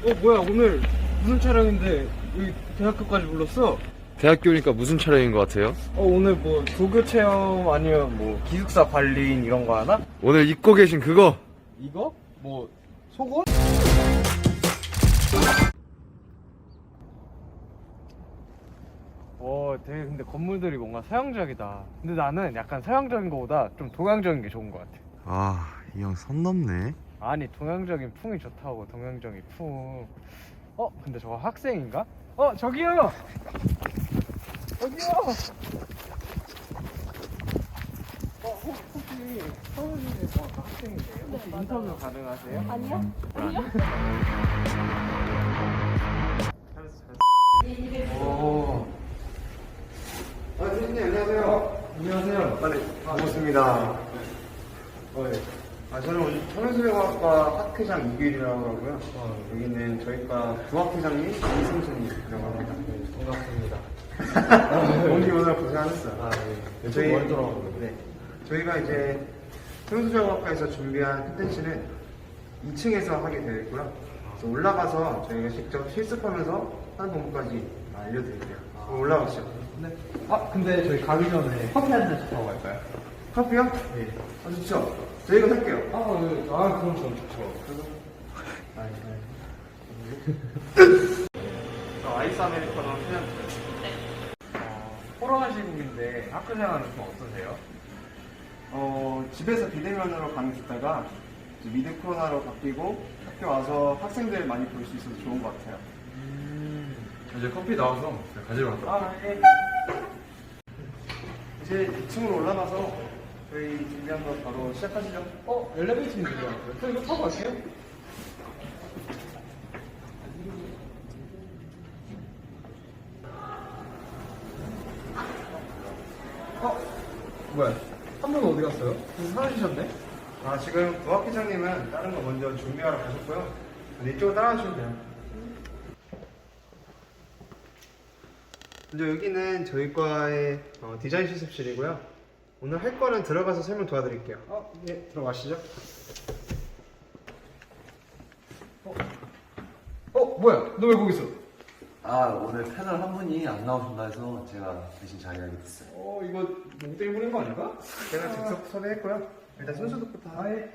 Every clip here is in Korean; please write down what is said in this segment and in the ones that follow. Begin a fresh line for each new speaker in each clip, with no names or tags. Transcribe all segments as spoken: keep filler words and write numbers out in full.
어 뭐야 오늘 무슨 촬영인데 여기 대학교까지 불렀어?
대학교니까 무슨 촬영인 것 같아요?
어 오늘 뭐 조교 체험 아니면 뭐 기숙사 관리인 이런 거 하나?
오늘 입고 계신 그거!
이거? 뭐 속옷? 어 되게 근데 건물들이 뭔가 서양적이다. 근데 나는 약간 서양적인 거보다 좀 동양적인 게 좋은 것 같아.
아, 이 형 선 넘네.
아니 동양적인 풍이 좋다고. 동양적인 풍. 어 근데 저거 학생인가? 어 저기요 저기요 어 혹- 혹시 서울대 어, 학생이세요? 혹시 인터뷰 가능하세요?
아니요? 아니요?
오.
아, 선생님, 안녕하세요.
안녕하세요.
네, 반갑습니다. 어, 네. 아, 저는 오늘 청년수련학과 학회장 이규일이라고 하고요. 어, 여기는 저희과 부학회장님 이승준이라고 합니다.
네, 반갑습니다.
오늘 오늘 고생하셨어요.
아, 네.
저희-
멀 돌아가고.
네. 저희가 이제 청년수련학과에서 준비한 컨텐츠는 이 층에서 하게 되어 있고요. 그래서 올라가서 저희가 직접 실습하면서 하는 방법까지 알려드릴게요. 그럼 올라가시죠.
네. 아 근데 저희 가기 전에 커피 한 잔씩 하고 갈까요?
커피요? 네. 아, 좋죠. 저희가 살게요.
아, 네. 아 그럼 전 좋죠.
아, 저 아이스 아메리카노 그냥
어, 코로나 시국인데 학교 생활은 좀 어떠세요?
어, 집에서 비대면으로 강의했다가 이제 미드 코로나로 바뀌고 학교 와서 학생들 많이 볼 수 있어서 좋은 것 같아요.
이제 커피 나와서 가지러 갈까?
아, 예. 이제 이 층으로 올라가서 저희 준비한 거 바로 시작하시죠.
어 엘리베이터 있는 줄 알았어요. 저 이거 타고 갈게요. 어 뭐야? 한 분 어디 갔어요? 무슨 사라지셨네?
아, 지금 부학회장님은 다른 거 먼저 준비하러 가셨고요. 근데 이쪽으로 따라가시면 돼요. 먼저 여기는 저희 과의 어, 디자인 실습실이고요. 오늘 할 거는 들어가서 설명 도와드릴게요.
어, 예, 들어가시죠. 어, 어 뭐야? 너 왜 거기 있어?
아, 오늘 패널 한 분이 안 나오신다 해서 제가 대신 자리하게 됐어요.
어, 이거 뭐 때문에 부린 거 아닌가?
제가 즉석 섭외했고요. 일단 순서부터 하에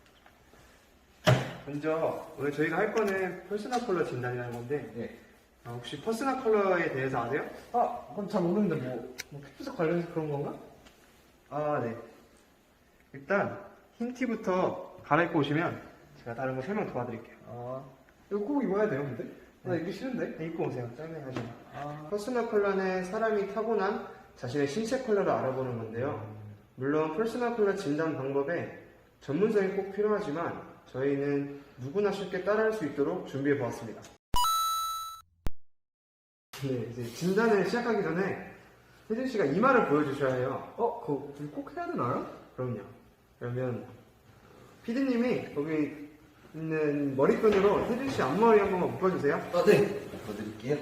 먼저 오늘 저희가 할 거는 퍼스널 컬러 진단이라는 건데
예.
아, 혹시 퍼스널 컬러에 대해서 아세요?
아, 그건 잘 모르는데 뭐, 뭐 피부색 관련해서 그런 건가?
아, 네. 일단 흰 티부터 갈아입고 오시면 제가 다른 거 설명 도와드릴게요.
아, 이거 꼭 입어야 돼요, 근데? 나 입기 싫은데?
네, 입고 오세요. 짱네 하지 마.
아,
퍼스널 컬러는 사람이 타고난 자신의 신체 컬러를 알아보는 건데요. 물론 퍼스널 컬러 진단 방법에 전문성이 꼭 필요하지만 저희는 누구나 쉽게 따라할 수 있도록 준비해 보았습니다. 네, 이제 진단을 시작하기 전에 혜진 씨가 이마를 보여주셔야 해요.
어, 그거 꼭 해야 되나요?
그럼요. 그러면 피디님이 거기 있는 머리끈으로 혜진 씨 앞머리 한 번만 묶어주세요.
아, 네. 보여드릴게요.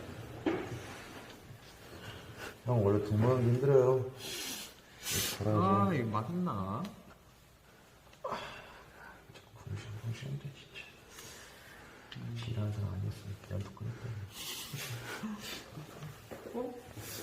형 원래 동무하기 힘들어요.
아, 이거 맞나?
궁시렁궁시렁대 진짜. 지랄한 사람 아니었으면 그냥 독하니까.
어?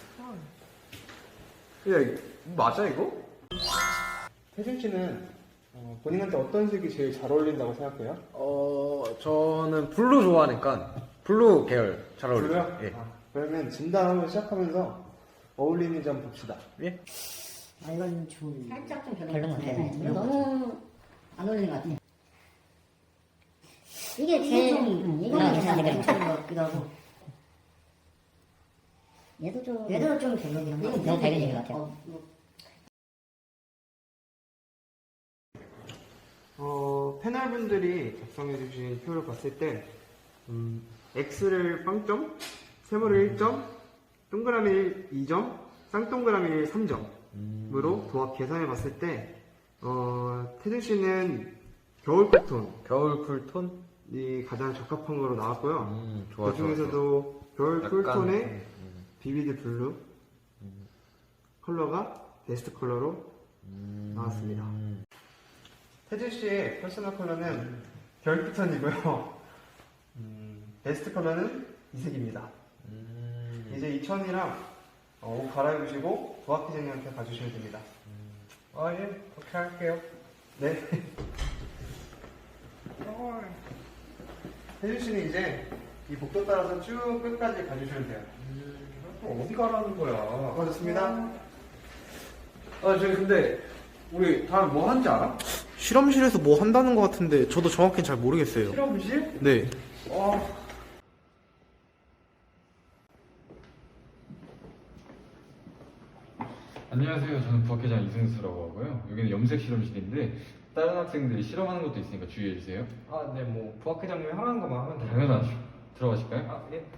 야, 이거 맞아, 이거?
혜진 씨는 어, 본인한테 어떤 색이 제일 잘 어울린다고 생각해요?
어, 저는 블루 좋아하니까 블루 계열 잘 어울려요.
블루요?
예.
아, 그러면 진단 한번 시작하면서 어울리는지 한번 봅시다.
예?
아, 이건 좀
살짝 좀 별로
별론 것 같아요.
네,
별론 것
너무 안 어울리는 것 같아요. 이게
이게
제일
좀,
음,
음,
이거는
괜찮은
괜찮은
것
것 같기도 하고. 얘도 좀
얘도 좀 별로긴 한데
이건
너무 밝은
별로긴
것 같아요.
어, 뭐,
어, 패널분들이 작성해주신 표를 봤을 때, 음, X를 영 점, 세모를 일 점, 동그라미를 이 점, 쌍동그라미를 삼 점으로 도합 계산해 봤을 때, 어, 태준 씨는 겨울 쿨톤이
겨울 쿨톤?
가장 적합한 거로 나왔고요.
음, 좋아,
그
좋아,
중에서도 겨울
약간,
쿨톤의
음, 음.
비비드 블루 컬러가 베스트 컬러로
음.
나왔습니다. 태준 씨의 퍼스널 컬러는 겨울 쿨톤이고요. 음, 베스트 컬러는 이 색입니다. 이제 이 천이랑 어, 옷 갈아입으시고 부학기장님한테 가주시면 됩니다.
아, 예. 그렇게 할게요.
네. 혜준 씨는 이제 이 복도 따라서 쭉 끝까지 가주시면 돼요.
또 어디 가라는 거야?
고맙습니다.
아, 저기 근데 우리 다음에 뭐 하는지 알아?
실험실에서 뭐 한다는 것 같은데 저도 정확히 잘 모르겠어요.
실험실?
네.
아,
안녕하세요. 저는 부학회장 이승수라고 하고요. 여기는 염색 실험실인데 다른 학생들이 실험하는 것도 있으니까 주의해 주세요.
아, 네, 뭐 부학회장님이 하라는 것만 하면 돼요.
당연하죠. 들어가실까요?
아, 예.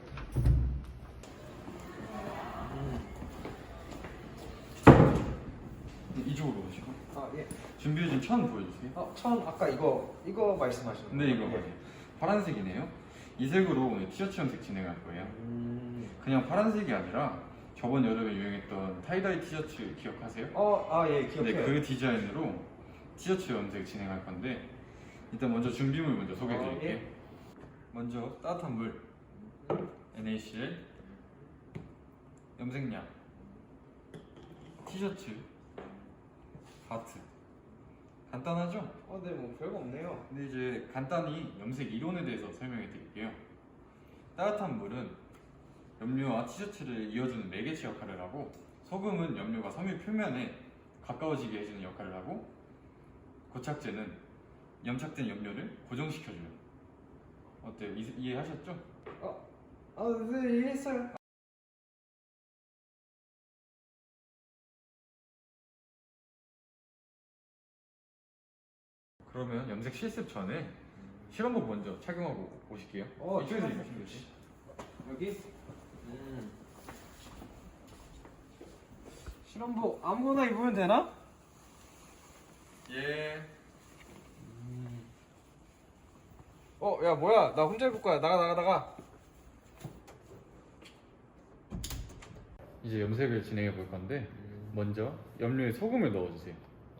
이쪽으로 오시고
아, 예.
준비해준 천 보여주세요.
아, 천 아까 이거 이거 말씀하시는 거예요?
네, 이거 맞아요. 파란색이네요. 이 색으로 오늘 티셔츠 염색 진행할 거예요. 그냥 파란색이 아니라 저번 여름에 유행했던 타이다이 티셔츠 기억하세요?
어, 아, 예, 기억해요.
네, 그 디자인으로 티셔츠 염색 진행할 건데 일단 먼저 준비물 먼저 소개해 드릴게요.
어, 예.
먼저 따뜻한 물, 엔에이씨엘, 염색약, 티셔츠, 바트. 간단하죠?
어, 네, 뭐 별거 없네요.
근데 이제 간단히 염색 이론에 대해서 설명해 드릴게요. 따뜻한 물은 염료와 티셔츠를 이어주는 매개체 역할을 하고, 소금은 염료가 섬유 표면에 가까워지게 해주는 역할을 하고, 고착제는 염착된 염료를 고정시켜줘요. 어때요? 이, 이해하셨죠?
아, 네, 이해했어요.
그러면 염색 실습 전에 실험복 먼저 착용하고 오실게요.
어,
이쪽에서
실험복
입으시면 되지.
여기? 음. 실험복 아무거나 입으면 되나?
예.
어, 야, 뭐야? 나 혼자 입을 거야. 나가, 나가, 나가.
이제 염색을 진행해 볼 건데 먼저 염료에 소금을 넣어주세요.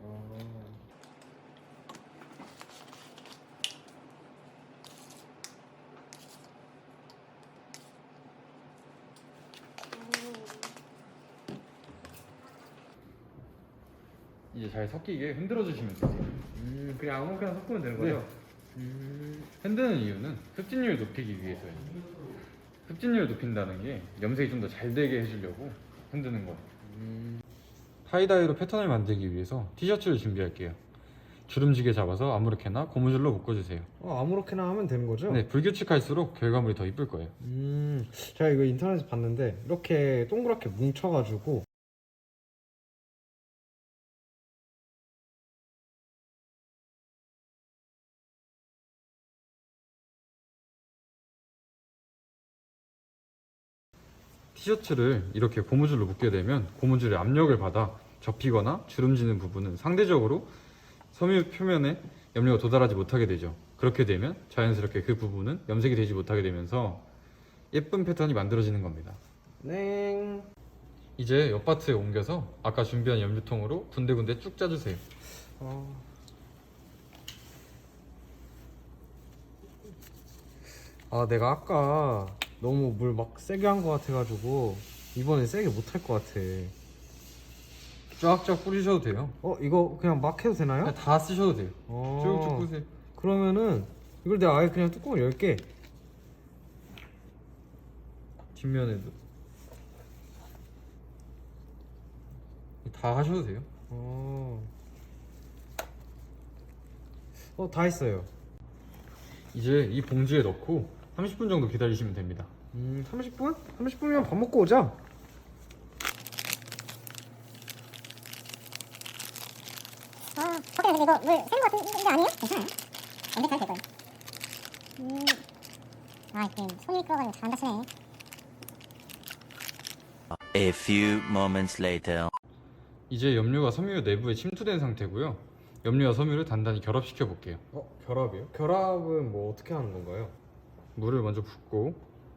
이제 잘 섞이게 흔들어 주시면 되세요.
음, 그냥 아무거나 섞으면 되는
네.
거죠?
흔드는 이유는 흡진율을 높이기 위해서예요. 흡진율을 높인다는 게 염색이 좀 더 잘 되게 해주려고 흔드는 거예요. 타이다이로 패턴을 만들기 위해서 티셔츠를 준비할게요. 주름지게 잡아서 아무렇게나 고무줄로 묶어주세요.
어, 아무렇게나 하면 되는 거죠?
네, 불규칙할수록 결과물이 더 이쁠 거예요.
음, 제가 이거 인터넷에서 봤는데 이렇게 동그랗게 뭉쳐가지고
티셔츠를 이렇게 고무줄로 묶게 되면 고무줄의 압력을 받아 접히거나 주름지는 부분은 상대적으로 섬유 표면에 염료가 도달하지 못하게 되죠. 그렇게 되면 자연스럽게 그 부분은 염색이 되지 못하게 되면서 예쁜 패턴이 만들어지는 겁니다.
냉.
이제 옆파트에 옮겨서 아까 준비한 염료통으로 군데군데 쭉 짜주세요.
어. 아, 내가 아까 너무 물 막 세게 한 것 같아가지고 이번엔 세게 못 할 것 같아.
쫙쫙 뿌리셔도 돼요.
어, 이거 그냥 막 해도 되나요?
그냥 다 쓰셔도 돼요.
어.
쭉쭉 뿌세요.
그러면은 이걸 내가 아예 그냥 뚜껑을 열게.
뒷면에도 다 하셔도 돼요.
어. 어, 다 했어요.
이제 이 봉지에 넣고 삼십 분 정도 기다리시면 됩니다.
음, 삼십 분? 삼십 분이면 밥 먹고 오자.
아, 밖에 이거 물 새는 거 같은 게 아니에요? 괜찮아요. 언제 잘 될 거예요. 음. 아, 이게 손이 미끄러가지고 잘 안 다치네.
A few moments later.
이제 염료가 섬유 내부에 침투된 상태고요. 염료와 섬유를 단단히 결합시켜 볼게요.
어, 결합이요? 결합은 뭐 어떻게 하는 건가요?
물을 먼저 붓고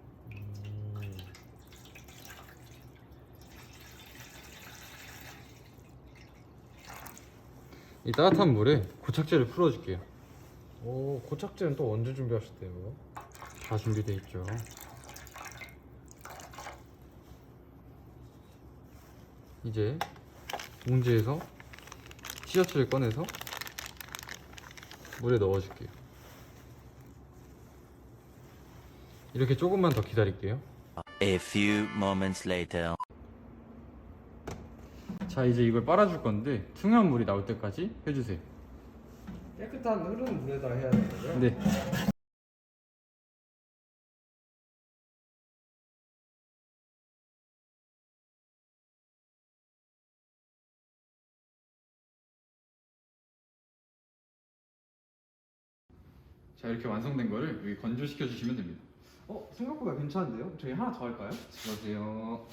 이 따뜻한 물에 고착제를 풀어줄게요.
오, 고착제는 또 언제 준비하셨대요?
다 준비되어 있죠. 이제 봉지에서 티셔츠를 꺼내서 물에 넣어줄게요. 이렇게 조금만 더 기다릴게요.
A few moments later.
자, 이제 이걸 빨아줄 건데 투명한 물이 나올 때까지 해주세요.
깨끗한 흐르는 물에다 해야 되는 거죠?
네. 자, 이렇게 완성된 거를 여기 건조시켜 주시면 됩니다.
어 생각보다 괜찮은데요? 저희 하나 더 할까요?
그러세요.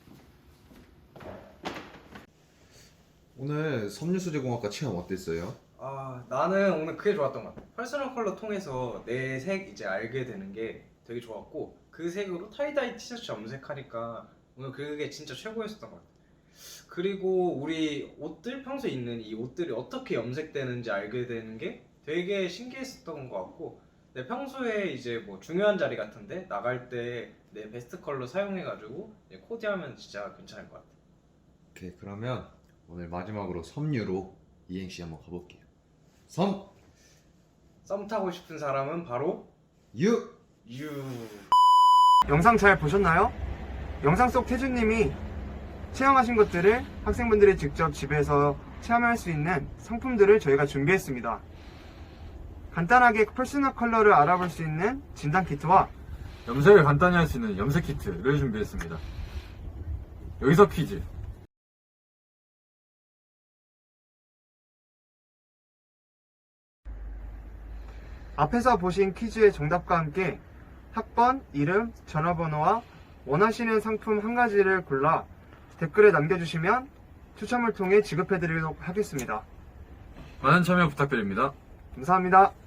오늘 섬유수제공학과 체험 어땠어요?
아, 나는 오늘 그게 좋았던 것 같아. 퍼스널 컬러 통해서 내 색 이제 알게 되는 게 되게 좋았고, 그 색으로 타이다이 티셔츠 염색하니까 오늘 그게 진짜 최고였었던 것 같아. 그리고 우리 옷들, 평소에 입는 이 옷들이 어떻게 염색되는지 알게 되는 게 되게 신기했었던 것 같고, 내 평소에 이제 뭐 중요한 자리 같은데 나갈 때 내 베스트 컬러 사용해가지고 이제 코디하면 진짜 괜찮을 것 같아.
오케이, 그러면 오늘 마지막으로 섬유로 이행시 한번 가볼게요. 섬,
썸 타고 싶은 사람은 바로
유.
유.
영상 잘 보셨나요? 영상 속 태준님이 체험하신 것들을 학생분들이 직접 집에서 체험할 수 있는 상품들을 저희가 준비했습니다. 간단하게 퍼스널 컬러를 알아볼 수 있는 진단 키트와
염색을 간단히 할 수 있는 염색 키트를 준비했습니다. 여기서 퀴즈.
앞에서 보신 퀴즈의 정답과 함께 학번, 이름, 전화번호와 원하시는 상품 한 가지를 골라 댓글에 남겨주시면 추첨을 통해 지급해드리도록 하겠습니다.
많은 참여 부탁드립니다.
감사합니다.